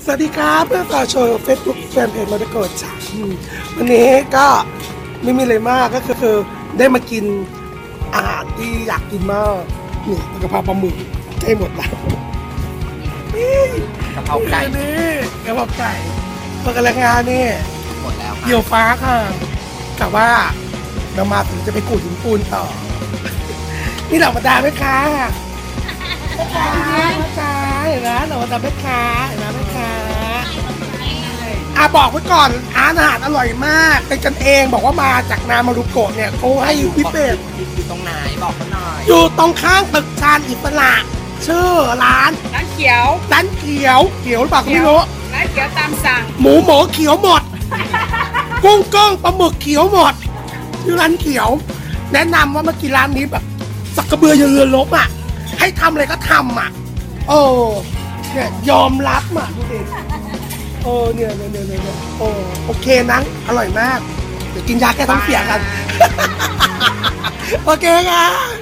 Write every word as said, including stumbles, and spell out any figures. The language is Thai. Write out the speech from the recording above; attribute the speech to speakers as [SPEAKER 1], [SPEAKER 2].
[SPEAKER 1] สวัสดีครับเพื่อนฝากโชว์เฟซบุ๊กแฟนเพจมาตะโกดจ้าวันนี้ก็ไม่มีอะไรมากก็คือคือได้มากินอาหารที่อยากกินมากนี่กะเพราปลาหมึกใกล้หมดแล้วนี่
[SPEAKER 2] กะเพราไก่
[SPEAKER 1] นี่กะเพราไก่พอกำลังงานนี่
[SPEAKER 2] หมดแล้วค่ะ
[SPEAKER 1] เกี่ยวฟ้าค่ะกะว่าเรามาถึงจะไปกูดหินปูนต่อ นี่เหล่าบรรดาแม่ค้าแม่ค้าแม่ค้าเห็นไหมเหล่าบรรดาแม่ค้าเห็นไหมแม่ค้าอ่ะบอกไว้ก่อนอาหารอร่อยมากเป็นกันเองบอกว่ามาจากนามารุโกะเนี่ยเขาให้พิเศษ
[SPEAKER 2] อยู่ตรงไหนบอกเขาหน่อย
[SPEAKER 1] อยู่ตรงข้างตึกชานอิสระชื่อร้าน
[SPEAKER 3] ร้านเขียว
[SPEAKER 1] ร้านเขียวเขียวหรือเปล่าก็ไม่รู้
[SPEAKER 3] ร้านเขียวตามสั่ง
[SPEAKER 1] หมูหมูเขียวหมด กุ้งก้งปลาหมึกเขียวหมดชื่อร้านเขียว แนะนำว่ามากินร้านนี้แบบสักกระเบือเรือลบอ่ะให้ทำอะไรก็ทำอ่ะโอ้เนี่ยยอมรับอ่ะดูดิโอ้เนี่ยเนี่ยเนี่ยเนี่ยโอ้โอเคนะอร่อยมากเดี๋ยวกินยาแก้ท้องเสียกัน โอเคค่ะ